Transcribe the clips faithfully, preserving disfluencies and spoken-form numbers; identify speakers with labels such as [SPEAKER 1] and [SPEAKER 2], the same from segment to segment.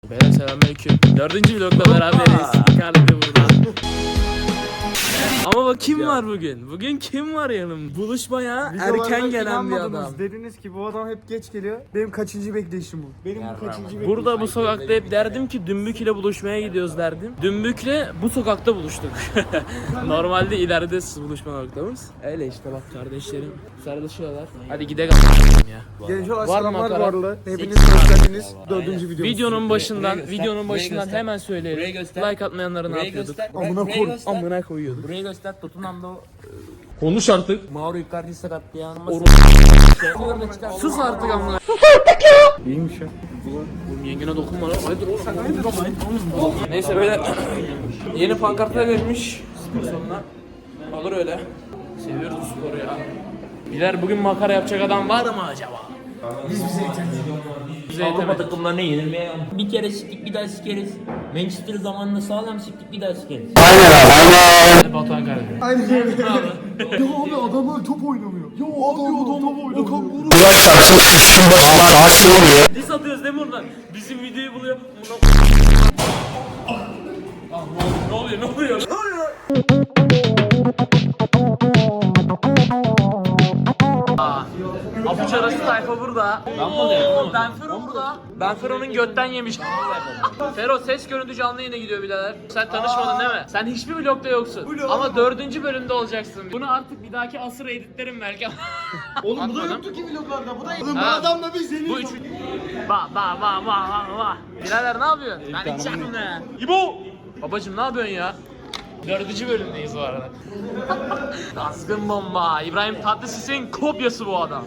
[SPEAKER 1] Beyler selamünaleyküm. Dördüncü vlogla beraberiz. Icardi burada. Ama bak kim var bugün? Bugün kim var yanım? Buluşmaya erken gelen bir adam.
[SPEAKER 2] Dediniz ki bu adam hep geç geliyor. Benim kaçıncı bekleyişim bu? Benim bu kaçıncı bekleyişim?
[SPEAKER 1] Burada bu sokakta hep derdim ki Dümbük ile buluşmaya gidiyoruz derdim. Dümbük'le bu sokakta buluştuk. Normalde ileride buluşma noktamız. Öyle işte bak kardeşlerim sarılışıyorlar. Hadi gidelim ya.
[SPEAKER 2] Genç olan
[SPEAKER 1] Var
[SPEAKER 2] selamlar
[SPEAKER 1] makara.
[SPEAKER 2] bu arada. Hepiniz hoş geldiniz. Dördüncü videomuz.
[SPEAKER 1] Videonun başından,
[SPEAKER 3] göster,
[SPEAKER 1] videonun
[SPEAKER 3] burayı
[SPEAKER 1] başından
[SPEAKER 3] göster.
[SPEAKER 1] hemen söyleyelim.
[SPEAKER 3] Burayı göster.
[SPEAKER 1] Like atmayanları ne
[SPEAKER 3] Burayı
[SPEAKER 1] yapıyorduk?
[SPEAKER 3] göster.
[SPEAKER 2] Amına
[SPEAKER 3] Burayı
[SPEAKER 2] koy-
[SPEAKER 3] göster.
[SPEAKER 1] Amına koyuyorduk.
[SPEAKER 3] Burayı göster. Tottenham'da
[SPEAKER 1] Konuş artık.
[SPEAKER 3] Mauro Icardi sakatlayan.
[SPEAKER 1] Sus artık amına.
[SPEAKER 2] İyiymiş ya.
[SPEAKER 1] Oğlum yengene dokunma lan. Hayırdır oğlum. Hayırdır oğlum. Neyse böyle yeni pankartlar vermiş spor salonuna. Olur öyle. Seviyoruz bu sporu ya. Biler bugün makara yapacak adam var mı acaba? Biz bize yeterli. Bize
[SPEAKER 3] Avrupa
[SPEAKER 1] yetemedik.
[SPEAKER 3] takımlarına yenilmeye bir kere siktik bir daha sikeriz. Manchester zamanında sağlam siktik bir daha sikeriz.
[SPEAKER 1] Batuhan kardeşim.
[SPEAKER 2] Aynen öyle. Ya abi adamlar top oynamıyor. Ya abi adam top oynamıyor.
[SPEAKER 1] Dis atıyoruz değil mi oradan? Bizim videoyu buluyor. Ah, ne oluyor? Ne oluyor? Ne oluyor? Apuç arası tayfa burada. Oo, Benfero burada. Benfero'nun götten yemiş. Fero ses görüntü canlı yayına gidiyor birader. Sen tanışmadın değil mi? Sen hiçbir vlogda yoksun. Ama dördüncü bölümde olacaksın. Bunu artık bir dahaki asır editlerim belki.
[SPEAKER 2] Oğlum bu da
[SPEAKER 1] Atmadım.
[SPEAKER 2] yoktu ki vloglarda. Bu da Oğlum bu
[SPEAKER 1] Ha.
[SPEAKER 2] adamla biz yeni.
[SPEAKER 1] Bu üç. Ba ba ba ba ba ba. Birader ne yapıyorsun? Ben içeceğim ne? İbo! Babacım ne yapıyorsun ya? Dördüncü bölümdeyiz bu arada. Azgın bomba. İbrahim Tatlıses'in kopyası bu adam.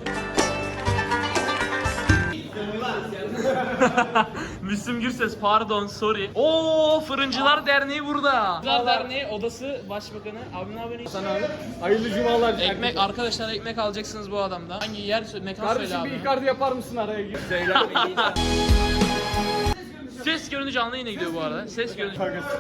[SPEAKER 1] Müslüm Gürses pardon sorry. Oo Fırıncılar Derneği burada. Fırıncılar Derneği odası başbakanı. Abi ne yapıyorsun? Sen abi.
[SPEAKER 2] Hayırlı cumalar.
[SPEAKER 1] Ekmek arkadaşlar ekmek alacaksınız bu adamdan. Hangi yer sö- mekan söyle
[SPEAKER 2] Kardeşim
[SPEAKER 1] abi.
[SPEAKER 2] bir Icardi yapar mısın araya gir?
[SPEAKER 1] Ses görüntü canlı yayına gidiyor bu arada. Ses görüntü.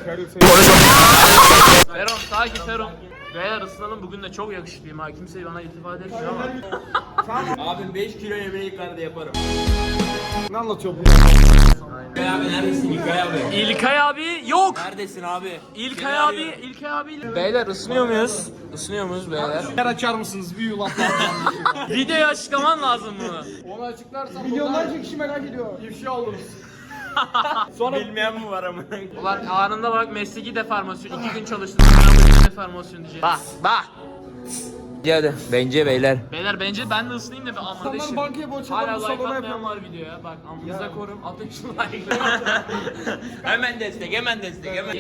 [SPEAKER 1] Feron sakin Feron. Beyler ısınalım bugün de çok yakışıklıyım ha. Kimse bana iltifat etmiyor ama.
[SPEAKER 3] Abim beş kilo yemeği Icardi yaparım.
[SPEAKER 2] Ne anlatıyor bu?
[SPEAKER 3] İlkay abi neredesin İlkay abi?
[SPEAKER 1] İlkay abi yok.
[SPEAKER 3] Neredesin abi?
[SPEAKER 1] İlkay abi, İlkay abi. Beyler ısınıyor muyuz? Isınıyor muyuz beyler?
[SPEAKER 2] Yer açar mısınız? Bir yulaf.
[SPEAKER 1] Videoyu açıklaman lazım bunu.
[SPEAKER 2] Onu açıklarsan milyonlarca kişi merak ediyor. İfşa oluruz.
[SPEAKER 3] Sonra bilmeyen mi var ama?
[SPEAKER 1] Ulan anında bak mesleki deformasyon. İki gün çalıştım. Mesleki deformasyon diyeceğim. Bak bak.
[SPEAKER 3] Hadi bence beyler.
[SPEAKER 1] Beyler bence ben de ısınayım da bir amına
[SPEAKER 2] Adamlar bankaya borç alıp
[SPEAKER 1] Hala
[SPEAKER 2] bu
[SPEAKER 1] like
[SPEAKER 2] salona
[SPEAKER 1] atmayan
[SPEAKER 2] yapıyor.
[SPEAKER 1] var videoya. Bak amınıza korum. Atın şu like.
[SPEAKER 3] Hemen destek hemen destek hemen.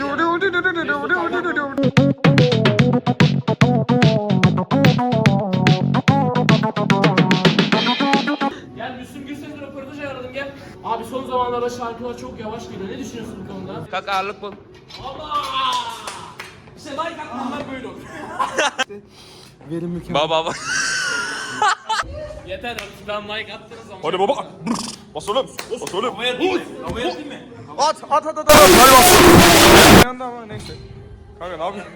[SPEAKER 1] Gel Müslüm Gürses'le röportaj ayarladım gel. Abi son zamanlarda şarkılar çok yavaş geliyor. Ne düşünüyorsun bu konuda?
[SPEAKER 3] Kalk ağırlık bul.
[SPEAKER 1] Allah! İşte like atmayanlar böyle olur.
[SPEAKER 2] Verim mükemmel.
[SPEAKER 3] Baba baba.
[SPEAKER 1] Yeter artık ben like attınız ama.
[SPEAKER 4] Hadi baba. Bas oğlum. Bas oğlum.
[SPEAKER 3] Havaya atayım mı? Havaya atayım mı?
[SPEAKER 2] At at at at. at. Hadi bas. Yandı ama neyse.
[SPEAKER 4] Kanka ne yapıyorsun?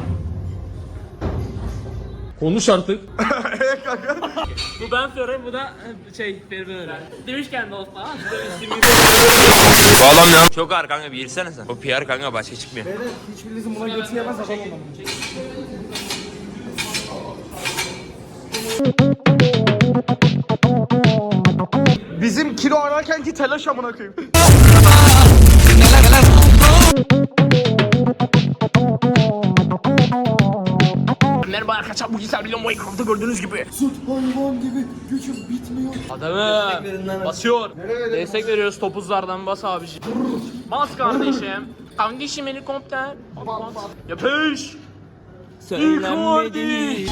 [SPEAKER 1] Konuş artık. Bu ben Fero, bu da şey Feri öyle. Demişken dostlar.
[SPEAKER 3] Bu adam ne? Çok ağır kanka bir girsene sen. O P R kanka başka çıkmıyor.
[SPEAKER 2] Beyler hiçbirinizin buna götü yemez adam olmalı. Bizim kilo ararken ki telaş amına koyayım.
[SPEAKER 1] Merhaba arkadaşlar bugün Serbilon Minecraft'ta gördüğünüz gibi.
[SPEAKER 2] Süt hayvan gibi gücüm bitmiyor.
[SPEAKER 1] Adamım basıyor. Destek veriyoruz topuzlardan bas abiciğim. Bas kardeşim. Kardeşim helikopter. Yapış.
[SPEAKER 3] Söylenmedi.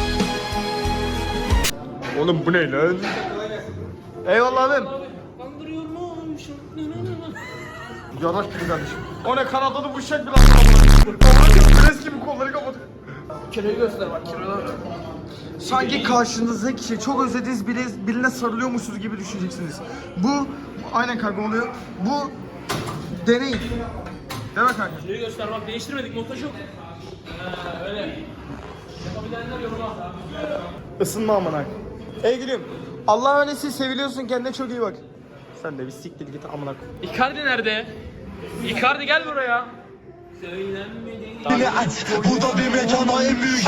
[SPEAKER 2] Oğlum bu ne lan? Eyvallah abim.
[SPEAKER 1] Kandırıyormuşum.
[SPEAKER 2] Yanaş gibi kardeşim. O ne Kanadalı bu şek bir lan. Pres gibi kolları kapat.
[SPEAKER 1] Kiloyu göster bak kiloyu.
[SPEAKER 2] Sanki karşınızdaki kişi çok özlediğiniz biri, birine sarılıyormuşsunuz gibi düşüneceksiniz. Bu aynen kanka oluyor. Bu deney. Değil mi kanka?
[SPEAKER 1] Kiloyu göster bak değiştirmedik montaj yok. Ee, öyle. Yapabilenler yoruma.
[SPEAKER 2] Isınma amına. Ey gülüm. Allah'a emanet seviliyorsun kendine çok iyi bak. Sen de bir siktir git amına koy.
[SPEAKER 1] Icardi nerede? Icardi gel buraya.
[SPEAKER 5] Beni aç, bu da bir mekana en büyük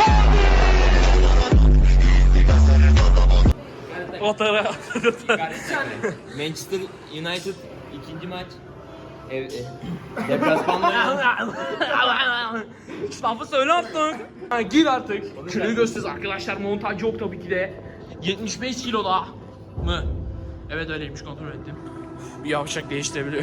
[SPEAKER 1] O tarafa.
[SPEAKER 3] Manchester United ikinci maç. Ev, e, deplasmanda.
[SPEAKER 1] Lafı söyle artık. Ha, gir artık. Kiloyu gösteririz arkadaşlar. Montaj yok tabii ki de. yetmiş beş kiloda mı? Evet öyleymiş, kontrol ettim. Bir yavşak değiştirebiliyor.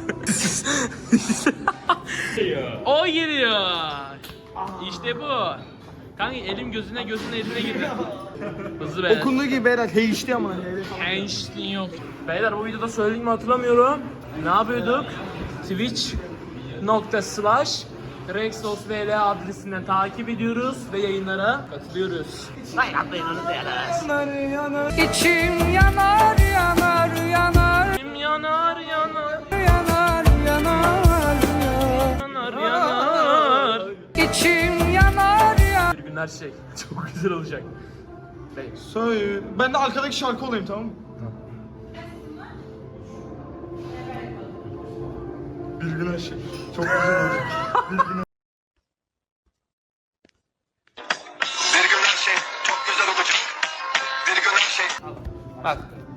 [SPEAKER 1] O giriyor. İşte bu. Kanka elim gözüne gözüne eline girdi. Hızlı beyler.
[SPEAKER 2] Okunduğu gibi beyler heyişti amına.
[SPEAKER 1] Einstein yok. Beyler bu videoda söylediğimi mi hatırlamıyorum. Ne yapıyorduk? Twitch nokta slash Rexos V L adresinden takip ediyoruz ve yayınlara katılıyoruz. Hayır atlayın onu da
[SPEAKER 6] İçim yanar yanar yanar
[SPEAKER 1] Kim yanar yanar
[SPEAKER 6] yanar yanar
[SPEAKER 1] yanar yanar.
[SPEAKER 6] İçim yanar yanar.
[SPEAKER 1] Bir gün her şey çok güzel olacak. Bey.
[SPEAKER 2] Söyle. Ben de arkadaki şarkı olayım, tamam mı? Bir gün her şey. Çok güzel olacak. Bir gün
[SPEAKER 5] Bir gün her şey çok güzel olacak. Bir gün her şey
[SPEAKER 1] Bak.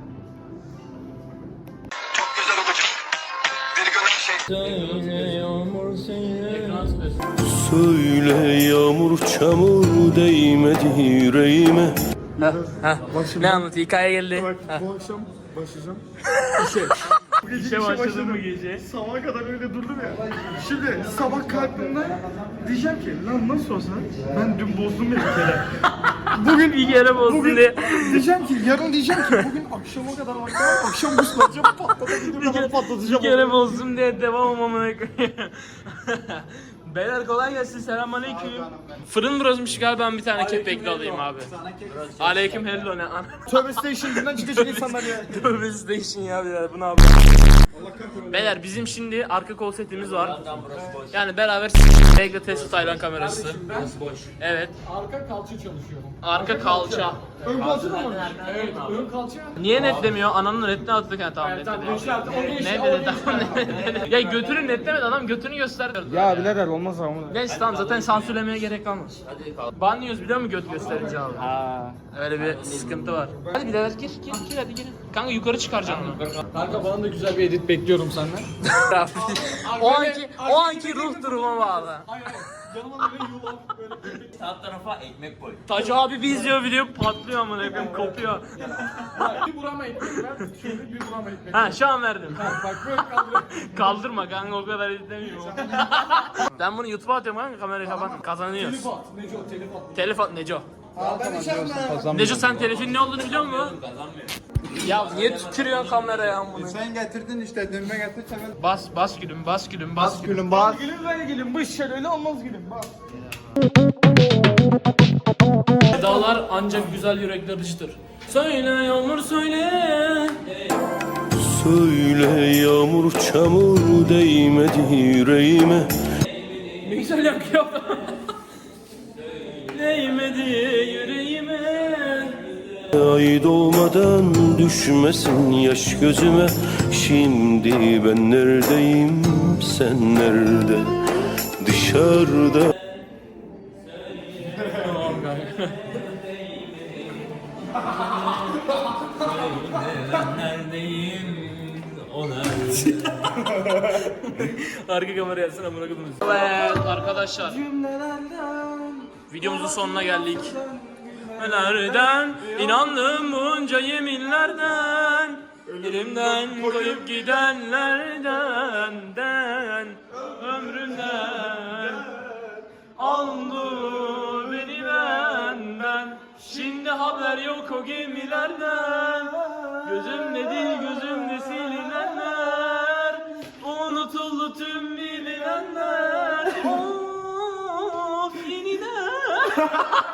[SPEAKER 5] çok güzel olacak. Bir gün her şey
[SPEAKER 3] Söyle yağmur söyle.
[SPEAKER 1] Ekran sıkıyorsun.
[SPEAKER 7] Söyle yağmur çamur değmedi yüreğime.
[SPEAKER 1] Ne anlat? Hikaye geldi.
[SPEAKER 2] Bak
[SPEAKER 1] Ha.
[SPEAKER 2] bu akşam başlayacağım. Bu gece
[SPEAKER 1] İşe
[SPEAKER 2] işe
[SPEAKER 1] başladın
[SPEAKER 2] başladım.
[SPEAKER 1] mı gece?
[SPEAKER 2] Sabaha kadar öyle durdum ya. Şimdi sabah kalktığımda diyeceğim ki lan nasıl olsa ben dün bozdum ya bir kere.
[SPEAKER 1] Bugün bir kere bozdun
[SPEAKER 2] Bugün
[SPEAKER 1] diye.
[SPEAKER 2] diyeceğim ki yarın diyeceğim ki bugün akşama kadar vaktim var. Akşam buslayacağım patlatabildiğim kadar patlatacağım.
[SPEAKER 1] Bir kere bozdum diye devam amına koyayım. Beyler kolay gelsin, selamünaleyküm. Fırın burasıymış galiba, ben bir tane kepekli alayım abi. Aleyküm hello ne an.
[SPEAKER 2] Tövbe station'dan çıkacak insanlar ya.
[SPEAKER 1] Tövbe station ya birader, bu ne abi? Beyler bizim şimdi arka kol setimiz var. Yani beraber Megla Tesla Taylan kamerası. Evet.
[SPEAKER 2] Arka kalça çalışıyorum.
[SPEAKER 1] Arka kalça.
[SPEAKER 2] Ön kalça da mı? Evet, ön kalça.
[SPEAKER 1] Niye netlemiyor? Ananın netini attık ha, tamam netledi. Ne dedi tamam ne dedi. Ya götünü netlemedi adam, götünü gösterdi.
[SPEAKER 2] Ya birader olmaz ama.
[SPEAKER 1] Neyse tamam, zaten sansürlemeye gerek kalmaz. Banlıyoruz biliyor musun göt gösterince abi? Öyle bir sıkıntı var. Hadi birader gir gir gir hadi gir. Kanka yukarı çıkaracaksın onu.
[SPEAKER 2] Kanka bana da güzel bir edit bekliyorum senden.
[SPEAKER 1] o anki o anki ruh duruma bağlı.
[SPEAKER 3] Sağ tarafa ekmek koy.
[SPEAKER 1] Tacı abi bir izliyor video patlıyor amına koyayım, kopuyor.
[SPEAKER 2] Bir burama ekmek ver. Şöyle bir burama ekmek.
[SPEAKER 1] Ha şu an verdim.
[SPEAKER 2] Bak böyle kaldır.
[SPEAKER 1] Kaldırma kanka, o kadar editlemiyorum. Ben bunu YouTube'a atıyorum kanka, kamerayı kapat, kazanıyoruz.
[SPEAKER 2] Telif at. Neco telif at.
[SPEAKER 1] Telif at Neco.
[SPEAKER 2] Ben içerim.
[SPEAKER 1] Neco sen telifin ne olduğunu biliyor musun? Ya niye tükürüyorsun kameraya amına?
[SPEAKER 8] Sen getirdin işte dönme getir hemen.
[SPEAKER 1] Bas bas gülüm bas gülüm bas gülüm.
[SPEAKER 2] Gülüm bak. Gülüm böyle gülüm. Bu iş şöyle öyle olmaz gülüm. Bak.
[SPEAKER 1] Dağlar ancak güzel yürekler dıştır. Söyle yağmur söyle.
[SPEAKER 7] Söyle yağmur çamur değmedi yüreğime.
[SPEAKER 1] Ne güzel yakıyor. Değmedi yüreğime.
[SPEAKER 7] Ay doğmadan düşmesin yaş gözüme. Şimdi ben neredeyim, sen nerede? Dışarıda.
[SPEAKER 3] Neredeyim? O nerede?
[SPEAKER 1] Arka kameraya yatsana amına koydum. Evet arkadaşlar. Videomuzun sonuna geldik. Nereden inandım bunca yeminlerden, elimden koyup gidenlerden, den, ömrümden aldı beni benden. Şimdi haber yok o gemilerden, gözümde değil gözümde silinenler, unutuldu tüm bilinenler. Of yeniden.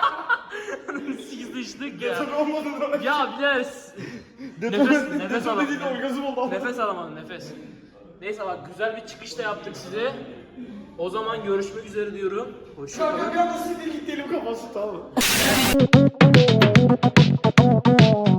[SPEAKER 1] Sıkıştık ya. Ya biraz nefes nefes alamadım. Nefes alamadım nefes. Neyse bak, güzel bir çıkış da yaptık size. O zaman görüşmek üzere diyorum. Hoşçakalın.
[SPEAKER 2] Kanka bir anda sinir gitti elim kafası tamam mı?